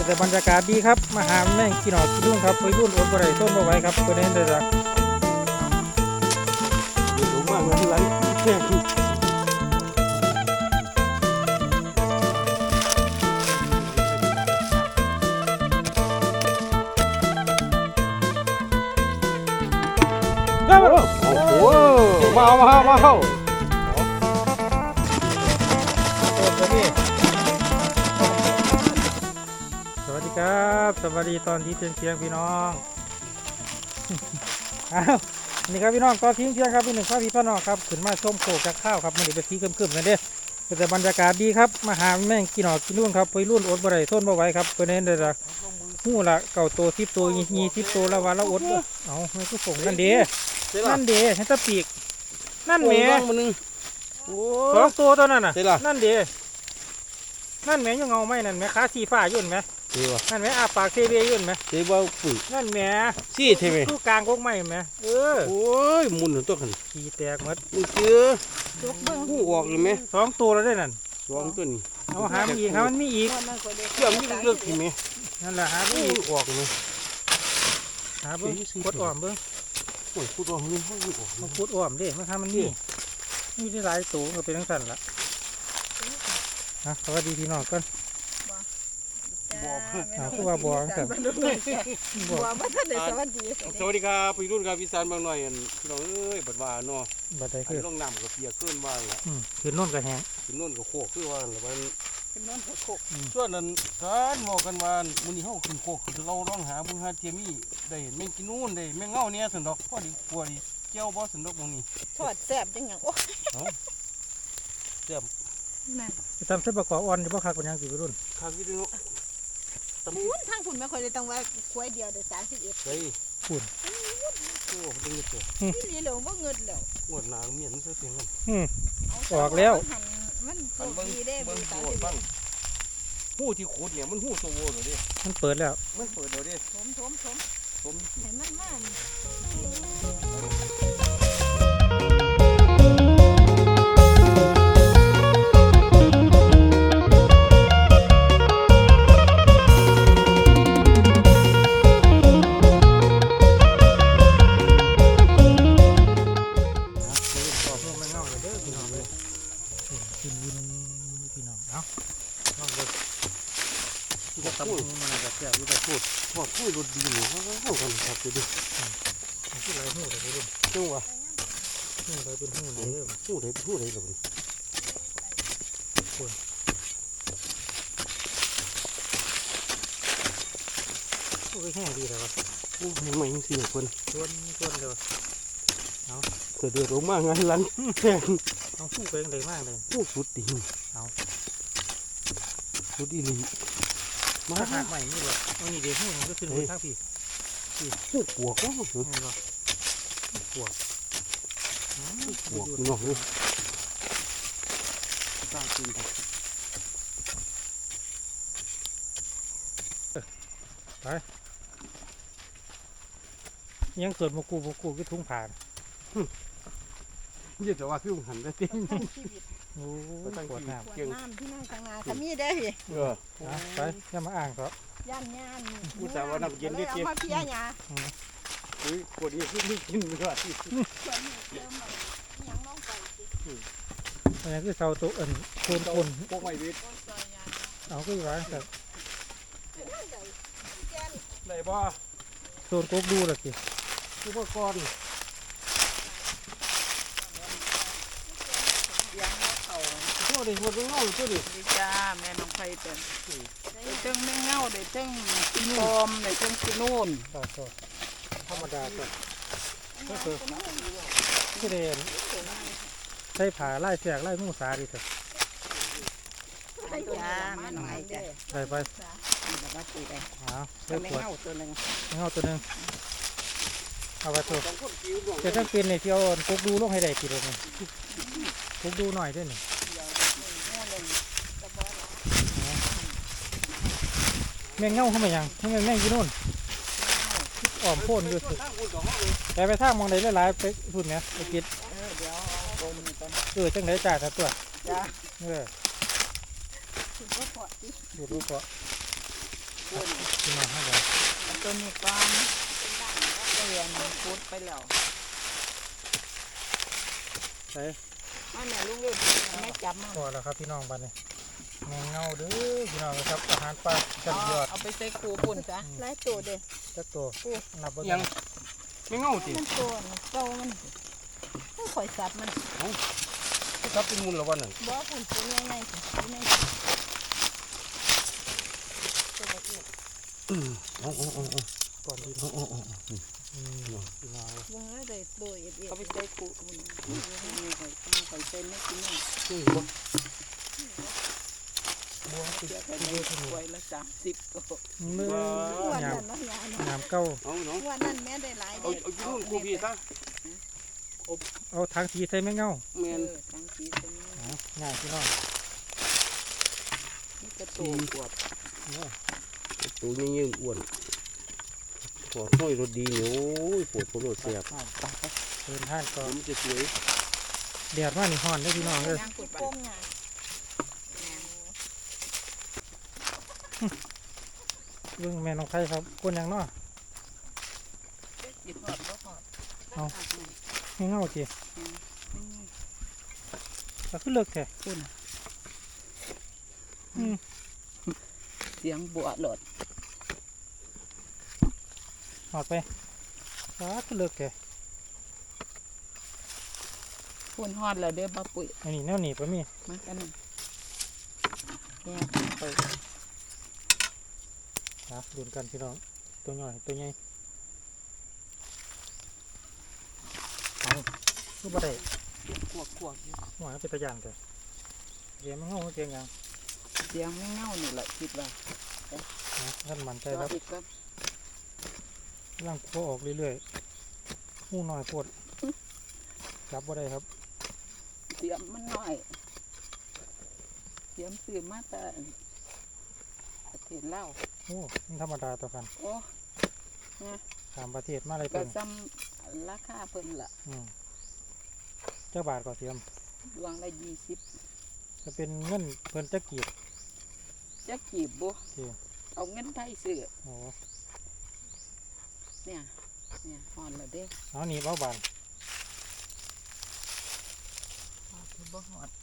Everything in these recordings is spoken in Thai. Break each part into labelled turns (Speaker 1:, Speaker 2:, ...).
Speaker 1: แต่บรรยากาศดีครับมาหาแม่งกินหนอกินรุ่งครับไปรุ่นอดบ่ได้ต้นบ่ไหวครับตัวนี้เลยจ้ะ
Speaker 2: เดี๋ยวผมมาเหมือนที่ร้านแค่คือโอ้โหมาเข้า
Speaker 1: สวัสดีครับสวัสดีตอนที่เที่ยงพี่น้องอ้าวนี่ครับพี่น้องตอนเที่ยงครับพี่หนึ่งพี่น้องครับขึ้นมาชมโขกจากข้าวครับมันเป็นสีเข้มๆกันเด้แต่บรรยากาศดีครับมาหาแม่งกินหนอกินรุ่งครับไปรุ่นอดบ่ได้ต้นบ่ไหวครับตัวนี้เลยจ้ะหู้ละเก่าตัวทิพตัวยีทิพตัวละวันละอดเอาไม่ก็ส่งนั่นเด้นั่นเด้เห็นตะปีกนั่นแหม่สองตัวนั่นน่ะนั่นเด้นั่นแหม่ยังเงาไหมนั่นแหม่ขาสีฟ้ายุ่นไหมนั่นแหม่อาปากเซเบยุ่นไหม
Speaker 2: เซเบปุ๋ย
Speaker 1: นั่นแหม่
Speaker 2: ซี่เทไหม
Speaker 1: ตู้กลางกกไหมไหม
Speaker 2: โอ้ยมุนตัวขัน
Speaker 1: ขี้แตกหมด
Speaker 2: มึงเจอหูออกเลยไหม
Speaker 1: สองตัวแล้วได้นั่น
Speaker 2: สองตัวนี้
Speaker 1: เอาหามันอีกมันมีอีก
Speaker 2: เชื่อมยิ่งเลือกเห็นไหม
Speaker 1: นั่นแหละหามันอีก
Speaker 2: ออกเลย
Speaker 1: หาเบิ้งกดอ้อมเบิ้ง
Speaker 2: โอ้ยพูดอ้อมนี่เขาอยู่ออก
Speaker 1: มันกดอ้อมเด้มันทำมันนี่ได้หลายตัวก็เป็นทั้งสั่นละสวัสดีพี่น้องกันคือว่าบัวกัน
Speaker 3: บัวมาท่านเดชสวัสดี
Speaker 2: สวัสดีครับพี่รุ่นครับพี่สานบางหน่อยพี่น้องเอ้ยบัดว่าเนาะ
Speaker 1: บัดใดคือ
Speaker 2: ลงน้ำกับเปียกขึ้นบ้างละ
Speaker 1: ขึ้นโน่นกับแห้ง
Speaker 2: ขึ้นโน่นกับโคกคือว่าละมัน
Speaker 3: ขึ้นโน่นกับโคก
Speaker 2: ส่วนนั้นการบอกกันว่ามื้อนี้เฮาขึ้นโคกเราลองหาเบิ่งหาเทียมี่ได้แม่งกินนู่นได้แม่งเงาเนี่ยสันดอกพอดีกลัวดีเจ้าบ่สันดอกมื้อนี้
Speaker 3: ทอดแซ่บจังหยังโอ้
Speaker 2: แซ่บ
Speaker 3: นั่น
Speaker 1: ทำเส้นประกอบอ่อนจะบ่คักเป็นยังสิรุ่น
Speaker 2: คักอยู่เนาะ
Speaker 3: ทางคุณไม่ค่อยได้ต้องว่าควยเดียวได้31
Speaker 2: เฮ้ย
Speaker 1: คุณ
Speaker 2: โอ้ดึงเถอะ
Speaker 3: นี่เหลืองบ่เงินแล้ว
Speaker 2: งวดหน้าเมียนซะเพียงกัน
Speaker 1: ออกแล้ว
Speaker 3: มันโชคดีเด้
Speaker 2: เบิ่งบ้างหู้ที่ขูดเนี่ยมันหู้โซโวเหรอดิ
Speaker 1: มันเปิดแล้ว
Speaker 2: มันเปิดแล้วดิ
Speaker 3: ถมให้มันมา
Speaker 1: ตำหูมันแบบแซ่บอยู่แต่พูด
Speaker 2: พอพูดรถดีเนี่ยเขากันครับดูดิ
Speaker 1: พูดอะไรหูเลยรุ่น
Speaker 2: จังหวะ
Speaker 1: หูอะไรเป็นหูเลย
Speaker 2: หูไหนหูไหนหรอ
Speaker 1: คุณพูดแห้งดีเลยวะ
Speaker 2: หูใหม่ๆสิคน
Speaker 1: ชวนเดี๋ยวเอา
Speaker 2: เดือดออกมางานร้านแข่ง
Speaker 1: เอาหูเป็นเลยมากเลย
Speaker 2: หูสุดดี
Speaker 1: เอา
Speaker 2: สุดดีเลย
Speaker 1: มาหักใหม่นี่หรอเอานี่เดี๋ยวหูมันก็ขึ้นบนข้างพี่
Speaker 2: หูปวกก็หู
Speaker 1: ปวก
Speaker 2: น้องเลยสร้างขึ้น
Speaker 1: ไปยังเกิดมากูก็ทุ่งผ่าน
Speaker 2: ยี่จะว่าพี่หันได้จริง
Speaker 1: โอ้ตั้งขวดน้ำ
Speaker 3: เกี่ยงน้ำที่นั่งทางงานขมิ้นได้
Speaker 1: ไปอย่ามาอ่างเขา
Speaker 3: ย่าน
Speaker 2: ผู้สาวนักเย็นได้เจี๊ยบ
Speaker 3: มาเพี้ยหยา
Speaker 2: ขวดนี้ไม่กินเลย
Speaker 1: อันนี้คือเสาตัวคน
Speaker 2: พวกไม่วิทย์
Speaker 1: เอาก็อยู่ร้านครับ
Speaker 2: ไหนบ่
Speaker 1: โซนโก๊กดูละสิ
Speaker 2: อุปกรณ์ตัวดิตัวเงาตัวดิ
Speaker 3: จ้าแม่น้องไฟเป็นได้เจ้งแม่เงาได้เจ้งกินโอมได้เจ้งกินนู่น
Speaker 1: ธรรมดาก็คือที่เรียนใช้ผ่าไล่เสียกไล่มูสาดิเถอะ
Speaker 3: จ้าแม่น้องไฟจ้ะ
Speaker 1: ไป
Speaker 3: แบบว่าตีได้
Speaker 1: ใช้ขวด
Speaker 3: เงาตัวหนึ่ง
Speaker 1: เอาไปตัวจะต้องเป็นในที่เอากุ๊กดูลงให้ได้กี่โลนึงกุ๊กดูหน่อยด้วยหนึ่งแม่งเงาเข้ามายังแม่งกี่นู่นอ่อมพ่นอยู่สุดแต่ไปทางมองไหนหลายๆไปพุ่นเนี่ยไปกินจังไหนจ่ายตัวดูรูปเกาะ
Speaker 3: ตัวนี้ก่อนเตือนพุดไปแล้ว
Speaker 1: ใส่
Speaker 3: มาแม่ลุงเอ้ยแม่จับมา
Speaker 1: พอแล้วครับพี่น้องบ้านนี้แมงเงาเด้อพี่น้องครับอาหารปลาจัดยอด
Speaker 3: เอาไปใส่คูปุ่นจ้ะ
Speaker 4: หลายตัวเด้
Speaker 1: จักตัวนับบ่
Speaker 2: ยั
Speaker 1: ได้
Speaker 2: งไม่เงาติ
Speaker 4: มันตัวน่ะเก่ามันต้องข่อยสัตว์มัน
Speaker 2: ครับเป็นมูลละวันนั่น
Speaker 4: บ่พุ่นตัวใหญ่ๆสิตัวใหญ่ตัวละเอียด
Speaker 2: โอ้
Speaker 1: ก่อนดี
Speaker 2: โอ้
Speaker 1: พี่น้อง
Speaker 4: วงแล้วได้ตัวเอียด
Speaker 3: เอาไปใส่คูปุ่นนี่ไปไปใส่ไม่กินนี่
Speaker 1: บัวติด
Speaker 3: เดี๋ยวไปในถ้วยละ30ตัว
Speaker 1: มือ
Speaker 4: ๆวัน
Speaker 1: ยาม
Speaker 4: นั้นเนาะยาเนาะ
Speaker 1: ยามเก้า
Speaker 2: เอาเนาะ
Speaker 4: วันนั้นแม่ได้หลาย
Speaker 2: เอา
Speaker 4: เด้
Speaker 2: เอาอยู่นู่นกูพี่ซะ
Speaker 1: เอาทางสีใส่แมงเงา
Speaker 2: แมน
Speaker 3: ทั้งสีเป็น
Speaker 1: ง่ายพี่น้อง
Speaker 3: นี่กระตูกวบ
Speaker 2: ตัวนี้ยืนอ้วนขอห้อยรถดีเนี่ยโอ้ยปวดหัวรถเสียบ
Speaker 1: เดินท่านก็
Speaker 2: มันจะสวย
Speaker 1: แดดมานี่ฮ้อนเด้อพี่น้องเด้อ
Speaker 3: ย่างกุดไป
Speaker 4: โป้งหยา
Speaker 1: เบิ่งแม่น้องไผครับคนหยังเนาะ
Speaker 3: หยิบหอดก็หอด
Speaker 1: แมงเงาติก็คือเลิกแท้
Speaker 3: คุณ
Speaker 1: อืม
Speaker 3: เสียงบัวหลด
Speaker 1: หอดไปก็คือเลิกแท้
Speaker 3: คุณหอดแล้วเด้อบ้าปุ๋ย
Speaker 1: อันนี้แนวหนีบบ่มี
Speaker 3: มากันเนี่ยไป
Speaker 1: นะดูกันพี่น้องตัวน้อยตัวใหญ่เอาคือบ่ได้
Speaker 3: ขวบขวบ
Speaker 1: หัวเป็นตะยานแต่เดี๋ยวมันเงาเสียงหยัง
Speaker 3: เสียงไม่เงานี่แหละคิดว่า
Speaker 1: นะท่านมั่นใจครับ
Speaker 3: อีกครับ
Speaker 1: กำลังโผล่ออกเรื่อยๆหูน้อยโพดจับบ่ได้ครับ
Speaker 3: เสียงมันน้อยเสียงสื่อมาแต่ประเทศลาว
Speaker 1: โอ้มันธรรมดาต่อกัน
Speaker 3: โอ้
Speaker 1: ตามประเทศมาอะไร
Speaker 3: ก็
Speaker 1: เป็น
Speaker 3: ซ้ำราคาเพิ่นละ
Speaker 1: เจ้าบาทก็เสียม
Speaker 3: ดวงละ20
Speaker 1: จะเป็นเงินเพิ่นจะกีบ
Speaker 3: จะกีบบ่
Speaker 1: โอเค
Speaker 3: เอาเงินไทยซื้อ
Speaker 1: โอ้
Speaker 3: เนี่ยหอนแล้วเด้
Speaker 1: เอาหนีบเอาบาน
Speaker 3: บ่หอด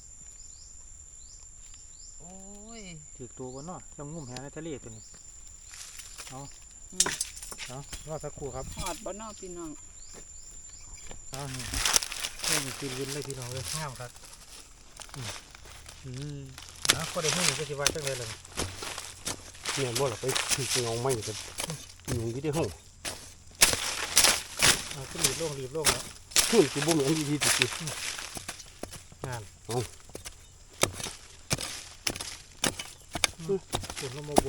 Speaker 3: โอ้ย
Speaker 1: ถือตัวบนเนาะจำงุ่มแหในทะเลตัวนี้เอารอสักครู่ครับ
Speaker 3: หอดบ่เนอพี่น้อง
Speaker 1: เอานี่เล่นกินวินเลยพี่น้องเลยงามครับก็ได้หูก็สิว่าจังเลยเลย
Speaker 2: เนี่ยบ่ล่ะไปถึงเงาไม่กันอยู่ที่ห้อง
Speaker 1: ก็รีบลงแล้ว
Speaker 2: ขึ้นกูบ่เหมือนดีๆติ
Speaker 1: งาน
Speaker 2: เอา
Speaker 1: ฝุ่นลงมาบัว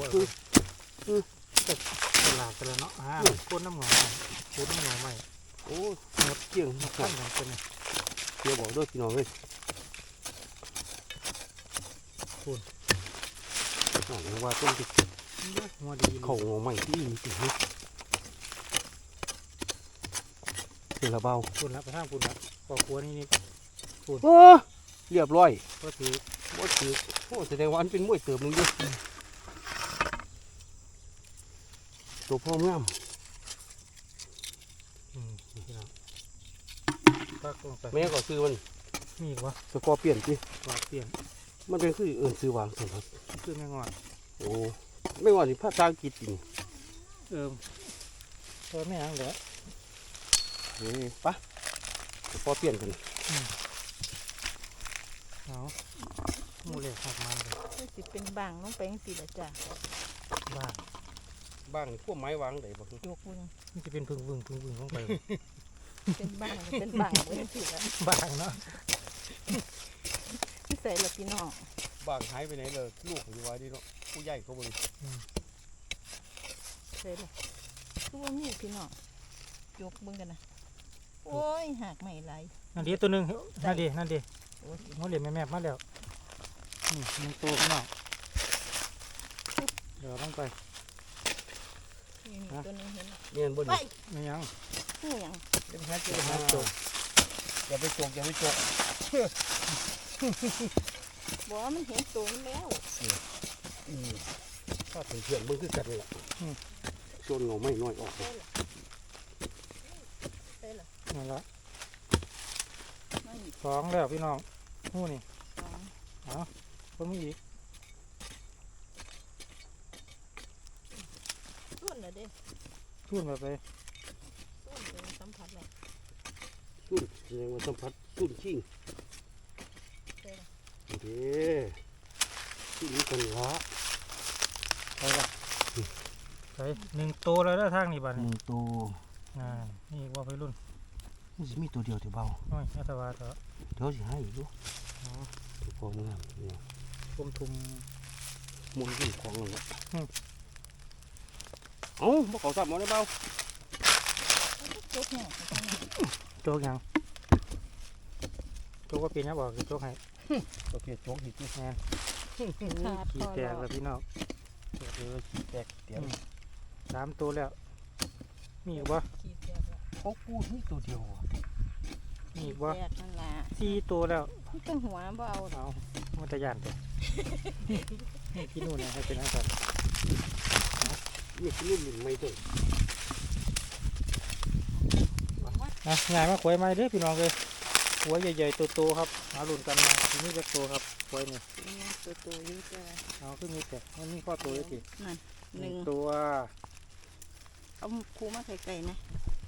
Speaker 1: ตลาดกันแล้วเนาะก้นน้ำหงอก้นน้ำหงอใหม่
Speaker 2: โอ้หมดเกี่ยงหมด
Speaker 1: ขั้นอย่างเป็น
Speaker 2: เดี๋ยวบอกด้วยพี่น้องเลยว่าต้นที่
Speaker 1: หัวดี
Speaker 2: เขาเงาไม่ที่มีติดเดี๋ยวละเบา
Speaker 1: ฝุ่นละไปทางฝุ่นละปอกหัวนี่
Speaker 2: โอ้เรียบร้อย
Speaker 1: ก็ถือ
Speaker 2: บ่ถือโอ้แสดงว่าอันเป็นมวยเติบนึงด้วยตัวพ่องาม
Speaker 1: พี่น้องก็ลงไป
Speaker 2: แม่ก็ซื้อมัน
Speaker 1: มีวะ
Speaker 2: สกอร์เปลี่ยนสิ
Speaker 1: ปลาเปลี่ยน
Speaker 2: มันเป็นคือเอิญซื้อวางสิครับ
Speaker 1: คือแมงงอน
Speaker 2: โอ้ไม่ว่านี่ภาษาอังกฤษจริง
Speaker 1: ตัวแม่ยังเหลือ
Speaker 2: ปะสกอร์เปลี่ยนกัน
Speaker 1: เอาหมูเหล็กหักมันเลย
Speaker 4: มันสิเป็นบางลงไปจังซี่ล่ะจ้ะ
Speaker 1: บ้า
Speaker 2: บ้างพวกไม้วางได้บ่
Speaker 4: ยกมือ
Speaker 1: มันจะเป็นพึ่งลงไป
Speaker 4: เป็นบางเป็นบางไว้จังซี่ล่ะ
Speaker 1: บ้างเนาะ
Speaker 4: ที่ใส่ละพี่น้อง
Speaker 2: บ้างหายไปไหนเลยลูกอยู่ว่าดีเนาะผู้ใหญ่เขาบ่ได้
Speaker 4: ใส่ละคือว่ามีพี่น้องยกเบิ่งกันนะโอ้ยหักไม่ไหล
Speaker 1: นั่นดีตัวหนึ่งนั่นดี
Speaker 4: โอ้ย
Speaker 1: หัวเหลี่ยมแม่มาแล้วมันโตขึ้นมาเดี๋ยวลงไป
Speaker 4: นี่ตัวนึงเห็น
Speaker 2: เนียนบ่
Speaker 4: ไป
Speaker 2: นี่
Speaker 1: ไม่ยัง
Speaker 4: หูหยัง
Speaker 1: เป็นแค่เจอแค่โต
Speaker 2: อย่าไปจกอย่าไปจก
Speaker 4: บอกว่ามันเห็นตัวมันแล้ว
Speaker 2: ถ้าเป็นเพื่อนมึงคือกันนี่แหละส่วนเงาไม่น้อยออกเลย
Speaker 4: ได้เหรอ
Speaker 1: นั่นละ
Speaker 3: ไม่
Speaker 1: สองแล้วพี่น้องหู้นี่
Speaker 3: สอง
Speaker 1: เอาเพิ่มอีก
Speaker 4: ส่วนเหรอเด้
Speaker 1: ทุ่นแบบไป
Speaker 4: ส่วนเป็นสัมผัสแบบ
Speaker 2: สุ่นแสดงว่าสัมผัสสุ่นชิง
Speaker 4: ได้เหรอ
Speaker 2: เด้สุ่นนี้กันละ
Speaker 1: ไปละไปหนึ่งตัวแล้วเด้อทางนี่บ้าน
Speaker 2: ห
Speaker 1: นี่
Speaker 2: นึ่งตัว
Speaker 1: นี่ว่าไปรุ่น
Speaker 2: นี่จะมีตัวเดียวที่เบา
Speaker 1: น้อยอัตวาเถอะ
Speaker 2: เดี๋ยวจะให้อีกด้วย
Speaker 1: อ๋อ
Speaker 2: ตัวพอเมื่อเนี่ย
Speaker 1: กลมทุม
Speaker 2: มุนยิ่งของเลย
Speaker 1: อืม
Speaker 2: เอ้าบ่เขาสับหมอได้เบา
Speaker 4: จุกเนี่ย
Speaker 1: โจกยังโจกก็เป็นนะบอกคือโจกให้
Speaker 2: ประเภทโจ๊กอีกที
Speaker 1: งาน
Speaker 4: ขาด
Speaker 1: ขี้
Speaker 4: พอ
Speaker 1: แต
Speaker 4: แล้
Speaker 1: ก
Speaker 4: ว
Speaker 1: แล้วพี่น้อง
Speaker 2: เออขี้แตกเตียง
Speaker 1: 3 ตัวแล้วมีอีกบ่
Speaker 4: ขีดแตกแล้ว
Speaker 2: เขาพูดนี่ตัวเดียวอะ
Speaker 1: มีอีกบ่
Speaker 4: แตกนั่นล่ะ
Speaker 1: 4 ตัวแล้ว
Speaker 4: มันต้องหัวบ่เอา
Speaker 1: เอามันจะย่านแต่ นี่กินนู่นนะให้เป็นอะไรก่อน
Speaker 2: นี่คือรุ่นไม่ตัว
Speaker 1: นะง่ายมาขวยไม้เด้อพี่น้องเลยหัวใหญ่ๆโตๆครับหาหลุนกันมาทีนี้จะโตครับขวยนี่
Speaker 4: ตัวๆอยู่จ้ะ
Speaker 1: เอาขึ้นมีแต่มันมีข้อตัวเลยสิ
Speaker 4: นั่น
Speaker 1: ห
Speaker 4: ห
Speaker 1: นึ่
Speaker 4: นึ่
Speaker 1: ง
Speaker 4: ง
Speaker 1: ตัว
Speaker 4: เอาคูมาไกลๆนะ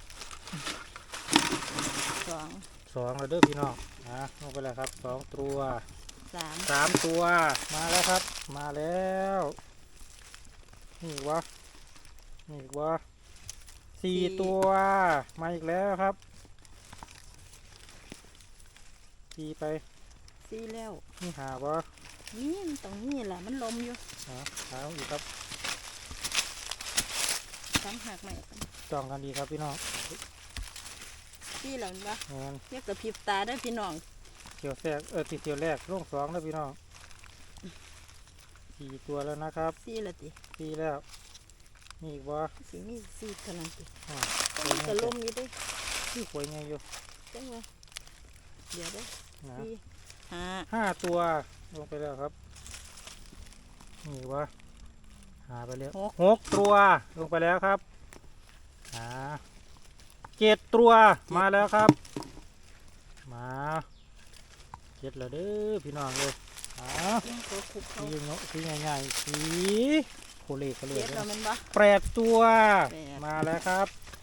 Speaker 4: สอง
Speaker 1: 2แล้วเด้อพี่น้องลงไปแล้วครับ2 ตัว
Speaker 4: สาม
Speaker 1: 3 ตัวมาแล้วครับ มาแล้วนี่วะนี่วะ4 ตัวมาอีกแล้วครับ4ไป
Speaker 4: สี่แล้ว
Speaker 1: นี่หาวะ
Speaker 4: นี่มันตรงนี้แหละมันลมอยู่
Speaker 1: หาอีกครับ
Speaker 4: ตั้งหักใหม่
Speaker 1: จ้องกันดีครับพี่น้อง
Speaker 4: สี่แล้วเห็นปะ
Speaker 1: เงิน
Speaker 4: เรียกกระพริบตาได้อพี่น้อง
Speaker 1: เที่ยวแรกติดเที่ยวแรกลง2แล้วพี่น้อง4 ตัวแล้วนะครับ
Speaker 4: สี่ละติ
Speaker 1: 4แล้วมีอีกวะ
Speaker 4: สิมีสี่เท่านั้นติ
Speaker 1: อ่า
Speaker 4: ก็มีกระลมอยู่เด้วย
Speaker 1: ที่ขวยไงอยู่
Speaker 4: จังวะเดี๋ยวเด้อ
Speaker 1: นะ
Speaker 4: สี่ห้า
Speaker 1: 5 ตัวลงไปแล้วครับนี่อีกวะหาไปแล้ว6 ตัวลงไปแล้วครับ7 ตัวมาแล้วครับมา7แล้วเด้อพี่น้องเลย
Speaker 4: จิ้งตัวคุกเขา
Speaker 1: สีเงาะสีง่ายๆสีโคเล่เลย
Speaker 4: เจ็ดแล้วแมันปะ
Speaker 1: 8 ตัว
Speaker 4: แปด
Speaker 1: มาแล้วครับ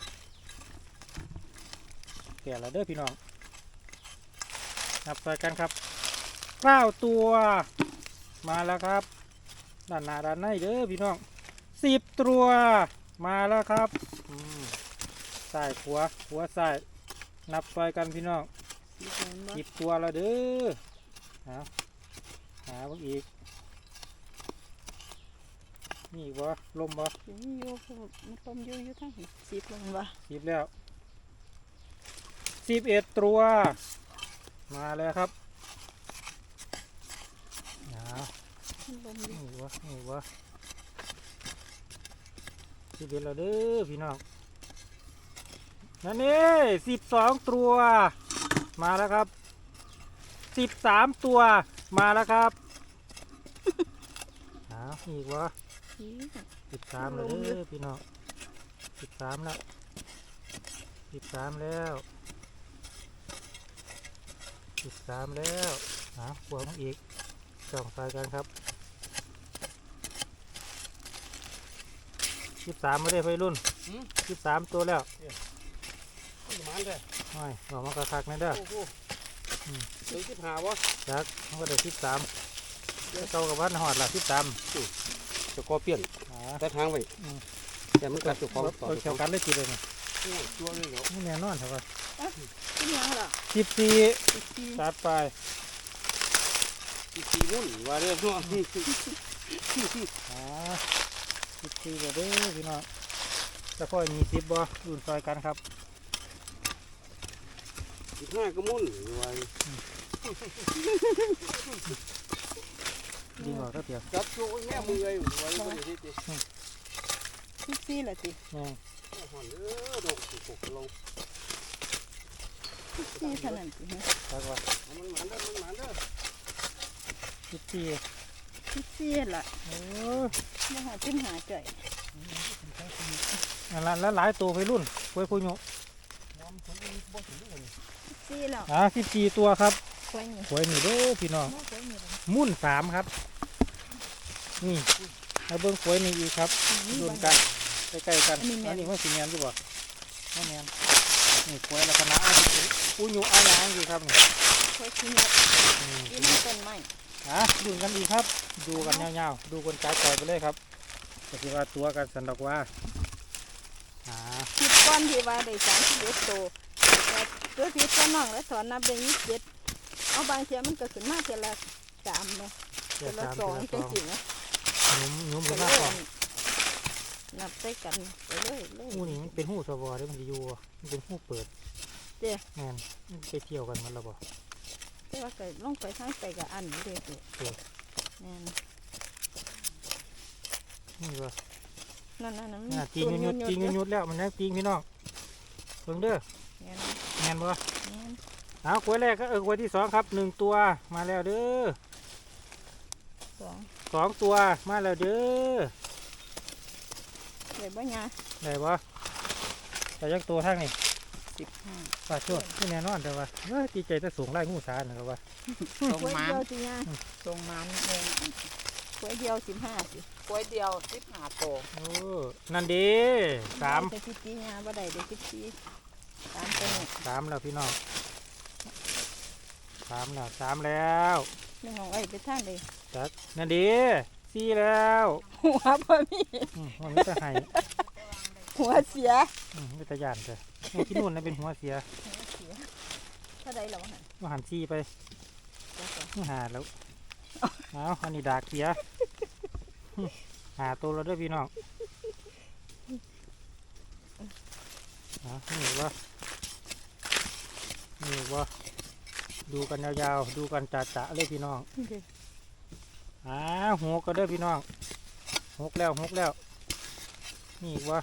Speaker 1: แก่แล้วเด้อพี่น้องนับใส่กันครับ9 ตัวมาแล้วครับด้านหน้าด้านในเด้อพี่น้อง10 ตัวมาแล้วครับซ้ายขวาซ้ายนับใส่กันพี่น้อง
Speaker 4: สี่แล้วแม่นปะ
Speaker 1: 10 ตัวแล้วเด้อหาพวกอีกนี่อีกบ่ลมบ่
Speaker 4: สิมีอยู่เพราะว่ามันลมอยู่ทั้งสิบแล้วแมันปะ
Speaker 1: 10แล้ว11 ตัวมาแล้วครับ
Speaker 4: มันลมอยู่
Speaker 1: นี่วะ11แล้วเด้อพี่น้องนั่นนี่12 ตัวมาแล้วครับ13 ตัวมาแล้วครับอีกวะ
Speaker 4: อี๋
Speaker 1: 13แล้วเด้อพี่น้อง13แล้ว13แล้ว13แล้วบวกมาอีกส่องใส่กันครับ13ไม่ได้ไฟรุ่น13ตัวแล้ว
Speaker 2: มันเลย
Speaker 1: ไม่บอกมากระคักๆนะเด้อ
Speaker 2: โอ้โหถึงสิบหาวะ
Speaker 1: จักมันก็ได้13เก่ากับวันหอดละ13
Speaker 2: จะกอเปลี่ยนแต่ทางไปแต่มันกลับจุกของต่อ
Speaker 1: เกี่ยวกันเลยทีเลยนี่
Speaker 2: ตัวเลยเหรอ
Speaker 1: นี่แน่นอนครับว่า
Speaker 4: เป็นยังเหรอ
Speaker 1: 14
Speaker 4: สิบสี่
Speaker 1: จัดไป
Speaker 2: ตีมุ่นว่าเรื่องพวก
Speaker 1: 14เด้อพี่น้องจะพ่อยมี10บ่รุ่นซอยกันครับ
Speaker 2: 15ก็มุ่นไว้
Speaker 1: ดีกว่าก็เตียว
Speaker 2: จับตัวแม่มือไว้ไว้ก็ได้ที่
Speaker 4: สิบสี่ละติ
Speaker 1: นี่
Speaker 2: หันดอกสุกลง
Speaker 4: สิบสี่เท่านั้นติฮะ
Speaker 1: จักว่า
Speaker 2: มันหมันเด้อ
Speaker 1: 14
Speaker 4: สิบสี่ละ
Speaker 1: โอ้
Speaker 4: มาหาจิ้มหาจ่อย
Speaker 1: ยนั่นละแล้วหลายตัวไปรุ่นกล้วยพูยุ
Speaker 4: ซี่แล้ว
Speaker 1: 14ตัวครับ
Speaker 4: กล้วยนี่
Speaker 1: กล้วยนี่เด้อพี่น้อง
Speaker 4: กล้วยนี่
Speaker 1: มุ่น3ครับนี่ให้เบิ่งกล้วยนี่อีกครับรุ่นกันใกล้ๆกันอันนี้มันสิแม่นอยู่บ่บ่แม่นนี่กล้วยลักษณะพูยุอาหยังอยู่ครับนี่
Speaker 4: กล้วยขี้เหนียว
Speaker 1: อืม
Speaker 4: กินมันต้นไม้
Speaker 1: ดูกันอีกครับ ดูกันยาวๆดูกันจ่ายไปเลยครับก็สิว่าตัวกันสันดอกว่า
Speaker 4: คิดก้อนที่ว่าได้31ตัวแต่ตัวที่ตัวน้องแล้วถอนนับได้27เอาบางเทียมันก็ขึ้นมาเทียละ3เนาะ
Speaker 1: เดี๋
Speaker 4: เที
Speaker 1: ย
Speaker 4: ยว ละ
Speaker 1: ตาม
Speaker 4: 2
Speaker 1: เดี๋
Speaker 4: จั
Speaker 1: ยว
Speaker 4: ง
Speaker 1: ตาม
Speaker 4: ซี่นะ
Speaker 1: ยุ่ม
Speaker 4: ก็
Speaker 1: กัน
Speaker 4: เล
Speaker 1: มาก
Speaker 4: ย
Speaker 1: ก่อน
Speaker 4: นับใส่กันไปเลยเลย
Speaker 1: หูนี่มันเป็นหูสวอเด้มันจะอยู่บ่มันเป็นหูเปิด
Speaker 4: เด้
Speaker 1: แม่นมันไปเที่ยวกันมันแล้วบ่
Speaker 4: แต่ว่าก็ลงไปทางไปกับอันนี้เด้อแม่น
Speaker 1: นี่บ่
Speaker 4: นั่น
Speaker 1: ตีงยุดตีงยุดแล้วมันได้ตีงพี่น้องเบิ่งเด้อ
Speaker 4: แม่น
Speaker 1: แม่นบ่
Speaker 4: แม่น
Speaker 1: เอากล้วยแรกก็กล้วยที่2ครับ1ตัวมาแล้วเด้อ
Speaker 4: 2
Speaker 1: 2ตัวมาแล้วเด้อ
Speaker 4: ได้บ่ยา
Speaker 1: ได้บ่แต่ยักตัวทางนี่
Speaker 4: 15
Speaker 1: ปลาโชดที่แน่นอนแต่ว่าดีใจจะสูงไล่งูสานะครับว่า
Speaker 3: ส่ง
Speaker 4: กล้วย
Speaker 3: มัน
Speaker 4: เดียวสิยา
Speaker 3: ส่งมันเอง
Speaker 4: กล้วยเดียว15สิ
Speaker 3: กล้วยเดียว15ตัว
Speaker 1: โอ้นั่นดี3
Speaker 4: ได้14ยาบ่ได้ได้14 3ตัวนี้
Speaker 1: 3แล้วพี่น้อง3แล้ว
Speaker 4: นึงของไอ้ไปทางใด
Speaker 1: จัดนั่นดี4แล้ว
Speaker 4: หัวบ่มี
Speaker 1: มันไม่จะให้
Speaker 4: หัวเสีย
Speaker 1: ไม่จะยานเลยที่นู่นนะเป็นหัวเสีย
Speaker 4: เท่าใดแล้ววะหั่น
Speaker 1: มาหันซีไป
Speaker 4: จักว่า
Speaker 1: มาหาแล้วเอาอันนี้ดากเสียหาตัวเราด้วยพี่น้องนี่ว่าดูกันยาวๆดูกันจ่าๆเลยพี่น้องหัวก็เด้อพี่น้องหกแล้วนี่ว่า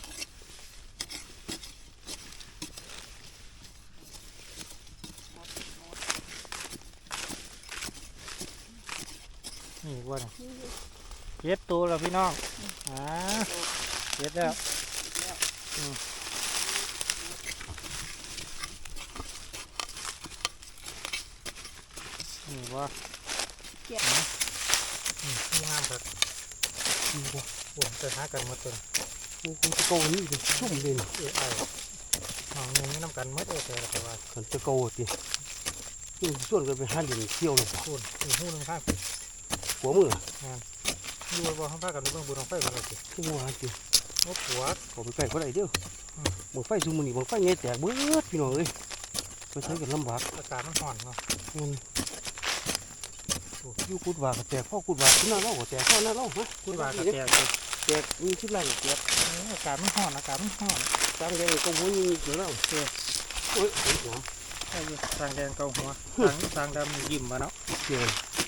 Speaker 1: นี่ว่าเจ็ดตัวแล้วพี่น้องเจ็ดแล้วนี่ว่านี่งามครับนี่ว่าผมจะหากันมาจน
Speaker 2: กูจะโกนี่ดิชุ่มเลย
Speaker 1: น้องนี่น้ำกันมัดแต่ว่า
Speaker 2: ขันจะโกดินี่ส่วนกันไปหาเดินเที่ยวเลย
Speaker 1: คุณมีหูนึงข้าง
Speaker 2: หัวมือ
Speaker 1: อยู่บ่ข้างภาคกันเบื้องบนของไฟมันเลยสิ
Speaker 2: ขึ้นมาดิ
Speaker 1: โอ้ปวด
Speaker 2: ขอไปใกล้ก็ได้เด้อบังไฟซูมือนี่บังไฟเงี้ยแตกเบิดพี่น้องเลยไปใช้กันลำบาก
Speaker 1: อากาศมันห่อนเนาะ
Speaker 2: อยู่กุดว่าก็แตกพ่อกุดว่าขึ้นหน้าเล่าก็แตกพ่อหน้าเล่าฮะ
Speaker 1: คุณว่ากระแตก
Speaker 2: แตกมีชิ้นไรแตก
Speaker 1: อากาศมันห่อน
Speaker 2: ตั้งใจก็หัวนี่เดี๋ยวเล่าโอ้ยหัว
Speaker 1: ใช่อยู่ทางแดงเกาหัวทางดำยิ้มมาเนาะ
Speaker 2: เกี่ยว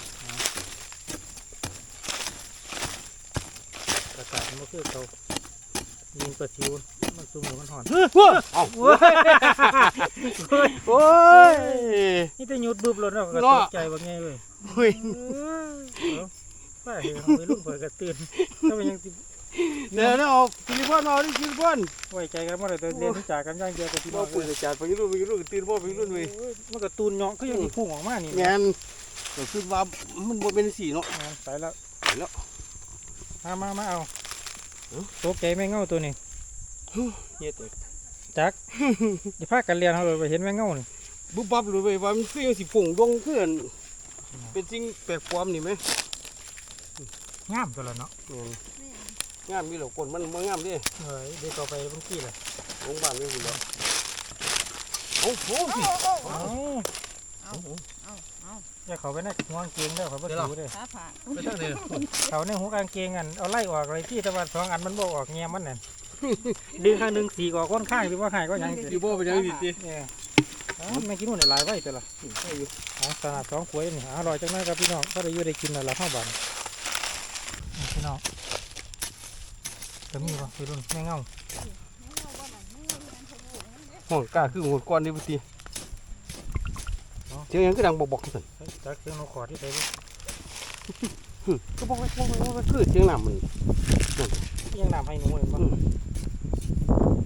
Speaker 1: อากาศมันก็คือเกายิงประชิวมันสูงหรือมันห่อน
Speaker 2: เอ้า
Speaker 1: โอ้ย
Speaker 2: โอ้ย
Speaker 1: นี่จะหยุดบึบรถเนาะก็ตกใจว่าไงเว้ย
Speaker 2: เฮ้ย
Speaker 1: ป้าเห็นไปรุ่นเผยกระตื่นก็เป็นยัง
Speaker 2: เดี๋ยวนะออกซิลิคอนเอาดิซิลิคอน
Speaker 1: ไว้ใจกันมาเลยแต่เรียนจากกันย่างเดียวกับที่
Speaker 2: บ่
Speaker 1: น้อง
Speaker 2: ปุ๋ยจัดไปรุ่นตีนบ่ไปรุ่นเว้ย
Speaker 1: มันก็ตูนเนาะก็ยังมีพุ่งออกมานี่
Speaker 2: แงนก็คือว่ามันบ่เป็นสีเนาะ
Speaker 1: ไปแล้ว
Speaker 2: ไปแล้ว
Speaker 1: มาเอาตกใจแม่เง่าตัวนี้
Speaker 2: เฮ็ด
Speaker 1: จักอย่าพากันเรียนเขาเลยไปเห็นแม่เง่านี่
Speaker 2: บุบบับเลยเว้ยว่ามันคือสิฝุ่งดงเพื่อนเป็นสิ่งแปลกปลอมนี่ไหม
Speaker 1: งามตัวละเนาะ
Speaker 2: งามมีเหล่าคนมันงามดิ
Speaker 1: เดี๋ยวเราไปบางที่เลย
Speaker 2: โรงพยาบาลไม่หุ่นแล้วโอ้โห
Speaker 1: อย่าเขาไปในหัวกางเกงเด้อเขาไปดูเด้อ
Speaker 4: ขาผาก
Speaker 2: ไปทางไหน
Speaker 1: เขาในหัวกางเกงอันเอาไล่ออกอะไรที่แต่ว่า2 อันมันบ่ออกเงี้ยมันนั่นดึงข้างหนึ่งสีออกค่อนข้างหรือว่าหายก็ยัง
Speaker 2: พี่บ่เป็นยังดีติ
Speaker 1: เนี่ยแม่กินนู่นหลายไว้ตัวละขนาด2 ขวดนี่อร่อยจังเลยครับพี่น้องก็ได้อยู่ได้กินแล้วละ5 บาทพี่น้องจะมีป่ะพี่รุ่นแม่เง่า
Speaker 2: ห้องกล้าคือหัวก้อนนี่บ่ติเสียงยังก็ดังบอกๆซั่น
Speaker 1: จักเสียงนกขอดที่ใส่
Speaker 2: ก็บอกคือเสียงน้ำมัน
Speaker 1: ยังน้ำให้หนูเลยบ้าง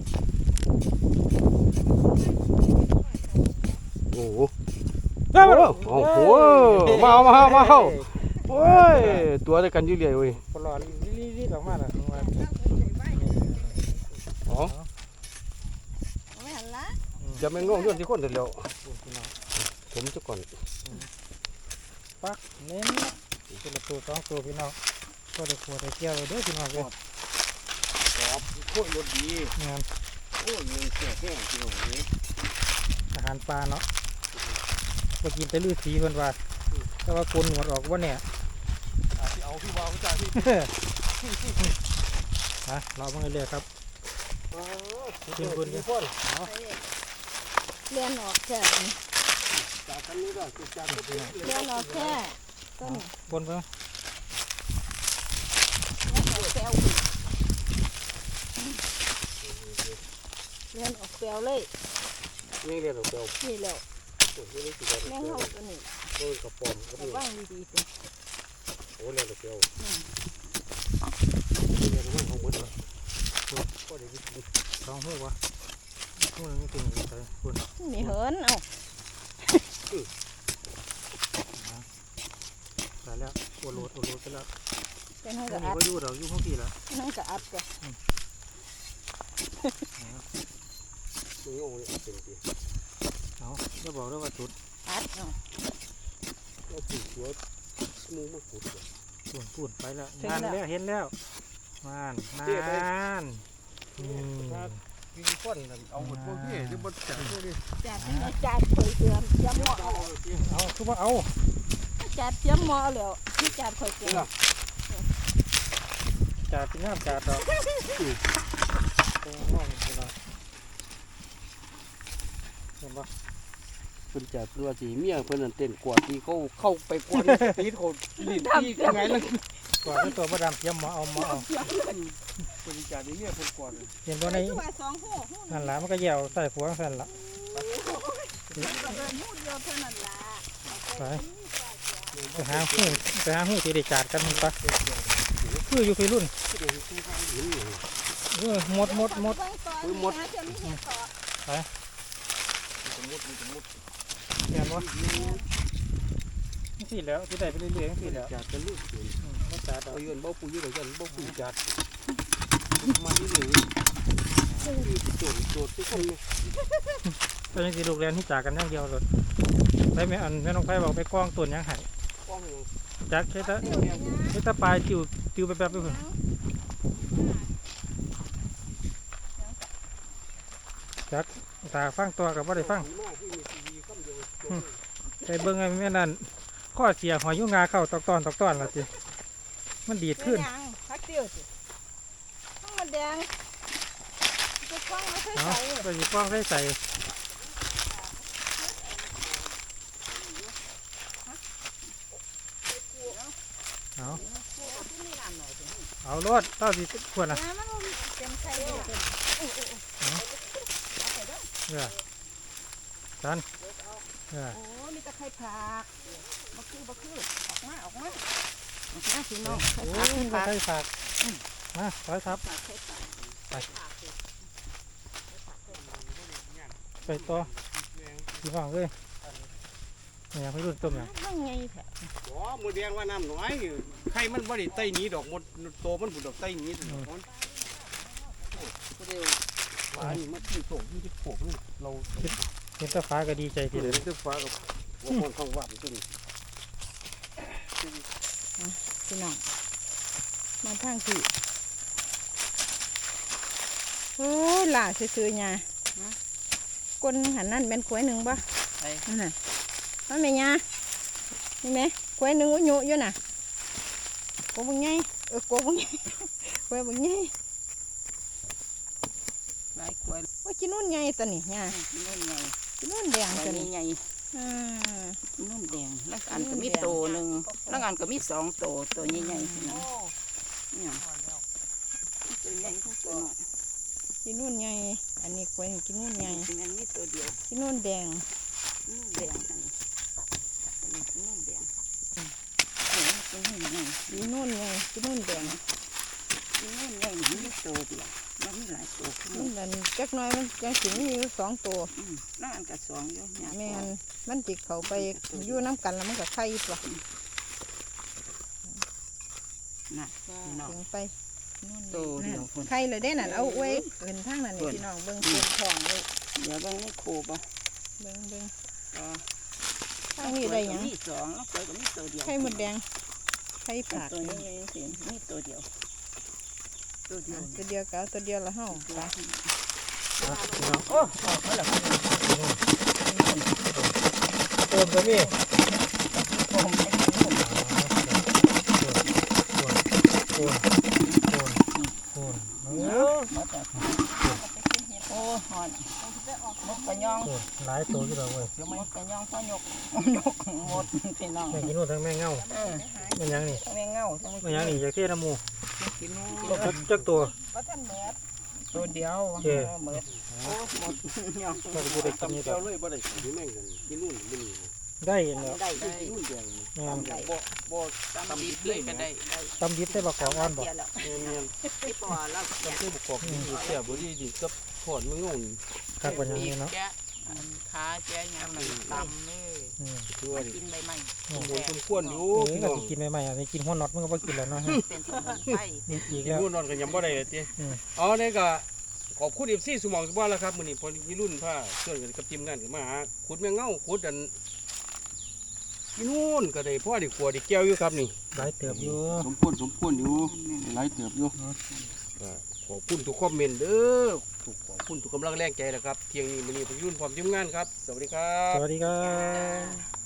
Speaker 2: โอ้โหโอ้โหมาเอาโอ้ยตัวเดียวกันอยู่เรื่อยเว้ย
Speaker 1: ปลอดรีบออกมาแล้วว่า
Speaker 2: อ๋อ
Speaker 4: ไม่หันละ
Speaker 2: จะไม่ง่วงย้อนที่คนเดียวผมจะก่อน
Speaker 1: ปักเน้นตัวละตัวสองตัวพี่น้องก็ได้ขวดได้เกี่ยวเด้อพี่น้องเลย
Speaker 2: ครับโค้ยรถดี
Speaker 1: งาน
Speaker 2: โอ้ยยังแก่แห้งที่ตรงนี้
Speaker 1: อาหารปลาเนาะไปกินแต่ลือสีเพิ่นว่าแต่ว่าโกนหนวดออกว่าเนี่ย
Speaker 2: ที่เอาพี่วาวจ่าที่
Speaker 1: ฮะเราเพิ่งเรื่อยๆครับ
Speaker 2: กินบุญกันพ่น
Speaker 4: เลียนออกแค่
Speaker 2: จากกันนี้ก็จากกันนี้
Speaker 4: เลียนออกแค่ต้น
Speaker 1: บนเพิ่ง
Speaker 4: แปลวเลียนออกแปลวเลย
Speaker 2: นี่เรียนเราเปล่า
Speaker 4: นี่แล้ว
Speaker 2: โอ้ยนี่คือ
Speaker 4: แม่งเฮาตัวนี้
Speaker 2: โอ้ยกระป๋อมกระ
Speaker 4: ระ
Speaker 2: ป๋อ
Speaker 4: วั
Speaker 2: ม
Speaker 4: งดีๆตัว
Speaker 2: โอ้ยเรียนเราเปล่าเรียนเราไม่ของหมดเลยก็ได้กิน
Speaker 1: สองหัววะหัวนึงติ่งใส่คุณ
Speaker 4: มีเหินเอา
Speaker 1: ใส่แล้วโอโรดไปแล้ว
Speaker 4: เป็นห้อง
Speaker 1: นี่
Speaker 4: กระอัด
Speaker 1: ก็อยู่เราอยู่ห้องพี่แล้ว
Speaker 4: ห้องกระอัดจ้ะ
Speaker 2: นี่โอ้ยเป็นดี
Speaker 1: เอาจะบอกด้วยว่าจุด
Speaker 4: อัดเอา
Speaker 2: เราปลูกตัวมูมาขุดเลย
Speaker 1: ปุ่นไปแล้วงานแล้วเห็นแล้วนาน
Speaker 2: กินก้อนเอาหมดพวกพี่จะบดจับพวกนี้
Speaker 4: จัดให้จัดเคยเตรียมย้ำหม้อเอา
Speaker 1: เอาคือว่าเอา
Speaker 4: จัดเตรียมหม้อแล้วที่จัดเคยเตรียม
Speaker 1: จาดเป็นงามจาดดอกตรงห้องนี่เนาะเห็นปะ
Speaker 2: เพิ่นจับตัวสีเมียเพิ่นนั่นเต้นกวาดที่เขาเข้าไปกวาดตีเขาลิ้นที่ยังไงล่ะ
Speaker 1: ก่อนที่ตัวมาดามเทียมหมอเอา
Speaker 2: เพิ่นจับนี่เมียเพิ่นกวาด
Speaker 1: เห็นตัวใน
Speaker 4: ตัวสองหูหู
Speaker 1: นั่นละมันก็แย่ใส่ผัวสั่นละ
Speaker 4: ก็เดินหูเดียวเท่านั้นล่ะ
Speaker 1: ไปหาหูที่ได้จาดกันมันปะคืออยู่ไปรุ่นหมด
Speaker 4: หมดจะมีเห็ดต่อ
Speaker 1: เห็นปะที่แล้วที่ได้ไปเรื่อยๆที่แล้ว
Speaker 2: จับกันลูกเห็น
Speaker 1: ไม่จาดดอก
Speaker 2: เอาเงินเบ้าปุ๋ยอยู่ไหนกันเบ้าปุ๋ยจัดมาที่หนึ่งโจทย์ทุกคนเลย
Speaker 1: ตอนนี้สิลูกเรียนที่จากันอย่างเดียวเลยไปแม่อันแม่น้องไฟบอกไปกล้องตุ่นยังหาย
Speaker 2: กล้องยัง
Speaker 1: จักแค่ตะปลายติวไปแบบไปเพิ่นจักตาฟังตัวกับว่าได้ฟังไปเบิ่งไอ้แม่นั่นข้อเสียหอยยุงงาเข้าตอกตอนละจิมันดีดขึ้น
Speaker 4: พักเดียวสิข้างมันแดงจะคล้องไม่ค่อย
Speaker 1: เนาะ
Speaker 4: ใส่
Speaker 1: ไปหยิบกล้องใส่เอารถเต้าสิขวดนะ
Speaker 4: น้ำมันเต็มไข่เลย
Speaker 1: จัน
Speaker 4: โอ้มีตะไคร้ผักบักคือออกมาพี่น้อง
Speaker 1: โอ้ยใส่ฝากมาถอยทับไปต่อพี่ฟังเลยเนี่ยพี่รุ่นต้มเนี่ย
Speaker 4: นั่งไงแท้
Speaker 2: อ๋อมือแดงว่าน้ำน้อยไข่มันบ่ได้ไต่หนีดอกหมดโตมันผุดดอกไต่หนีดอกมันเดียวฟ้านี่มันที่โตที่โผล่นี่เรา
Speaker 1: เห็นตาฟ้าก็ดีใจที
Speaker 2: ที่
Speaker 1: เดี
Speaker 2: เห็
Speaker 1: ยวน
Speaker 2: คือฟ้ากับหัวคนข้างวัดตัวนี้
Speaker 4: พี่น้องมาทางที่โอ้ล่าซื่อๆเนี่ยก้นหันนั่นเป็นกล้วยหนึ่งป่ะนั่นน่ะมันไม่ยานี่ไหมกล้วยหนึ่งอยู่อยู่น่ะโกบังไงโกบังไงกล้วยบังไงหลายกล้วยว่ากินนู่นไงตัวนี้เนี่ยกินนู่นไงกินนู่นแดงตัวนี้ไงนู่นแดงแล้วอันก็มีโตหนึ่งแล้วอันก็มีสองโตตัวใหญ่ๆนี่เนี่ยตัวใหญ่ทั้งตัวกินนู่นไงอันนี้กล้วยกินนู่นไงอันนี้ตัวเดียวกินนู่นแดงนู่นแดงอันนี้กินนู่นแดงกินนู่นไงกินนู่นไงกินนู่นแดงกินนู่นไงมีตัวเดียว
Speaker 3: มันมีหลายตัว
Speaker 4: มันจักหน้อยมันยังสิมีอยู่2ตัว
Speaker 3: แล้วอันกับ2อยู่เนี่ย
Speaker 4: แม่นมันสิเข้าไปอยู่น้ำกันแล้วมันก็ไข่ตัว
Speaker 3: น่ะพี่น้อง
Speaker 4: ถึงไป
Speaker 3: ตัวเดียวคน
Speaker 4: ไข่เลยได้นั่นเอาไว้เอิ้นทางนั้นนี่พี่น้องเบิ่งเต็มท้องเลย
Speaker 3: เดี๋ยวเบิ่งในครูบ่
Speaker 4: เบิ่ง
Speaker 3: อ๋อ
Speaker 4: ทางนี้ได้หยัง
Speaker 3: มี2แล้วก็มีตัวเดียว
Speaker 4: ไข่มดแดงไข่ผาก
Speaker 3: ตัวนี้สิมีตัวเดียวตัวเดียว
Speaker 4: ตัวเดียวก็เอาตัวเดียวละเฮาไป
Speaker 1: พี่น้อง
Speaker 3: โอ้ออกมาแล้ว
Speaker 1: เติมก็มี
Speaker 3: ผมไม่กินนม มาจากโอ้หอนมดกระยอง
Speaker 1: หลายตัวที่เราเว้ย
Speaker 3: มดกระยองพ่อยกหมดพี่น้อง
Speaker 1: แม่งกินนู่นทั้งแม่งเงาแม่งยังนี่
Speaker 3: แม่เงาทั้ง
Speaker 1: แม่งยังนี่อยากเทน้ำมู
Speaker 3: กิน
Speaker 1: จักตัว
Speaker 3: ตัวเดียวหมดโอ้หมดยอง
Speaker 1: ก็จะได้กินนี่
Speaker 2: เจ้า
Speaker 1: ต่อ
Speaker 2: เลยบ่ได้กินแม่งกันกินนู่นมื้อนี้
Speaker 1: ได้แล้ว
Speaker 3: ได้
Speaker 2: กินนู่นแดง
Speaker 1: แม่ง
Speaker 2: บ่
Speaker 3: ตำดิบเลยก็ได้
Speaker 1: ตำดิบได้บักกอกอ่อนบ่
Speaker 2: แม่น
Speaker 3: ที่ปอแล้ว
Speaker 2: ๆต้องซื้อบุกกอกนี่แซ่บบ่ดีกับทอดมึงงง
Speaker 1: คักกว่าอย่างนี้เนาะ
Speaker 3: แกะขาแกะยำมันตำนี่
Speaker 2: คือว่าดิ
Speaker 3: กินใบไม้
Speaker 2: สมควรอยู่
Speaker 1: นี่
Speaker 2: พี่
Speaker 1: ก็
Speaker 2: น้อง
Speaker 1: สิกินใหม่ๆอ่ะนี่กินหัวน็อตมันก็บ่กินแล้วเนาะ
Speaker 3: เป็นสมุนไพร
Speaker 1: นี่อีก
Speaker 2: กิน
Speaker 1: แล้ว
Speaker 2: นู่นนอนกันยังบ่ได้เลยติอ๋อนี่ก็ขอบคุณ FC สมองสบ้านแล้วครับมื้อนี้พอมีรุ่นผ้าเชิญกันกับทีมงานกันมาหาขุดแมงเง่าขุดอันกินนู่นก็ได้พ่อได้ขัวได้แก้วอยู่ครับนี่
Speaker 1: หลายเติบอยู่
Speaker 2: สมควรอยู่หลายเติบอยู่ก็ขอบคุณทุกคอมเมนต์เด้อขอบคุณทุกกำลังแรงใจนะครับเที่ยงนี้มื้อนี้พอรุ่นพร้อมทีมงานครับสวัสดีครับ
Speaker 1: สวัสดีครับ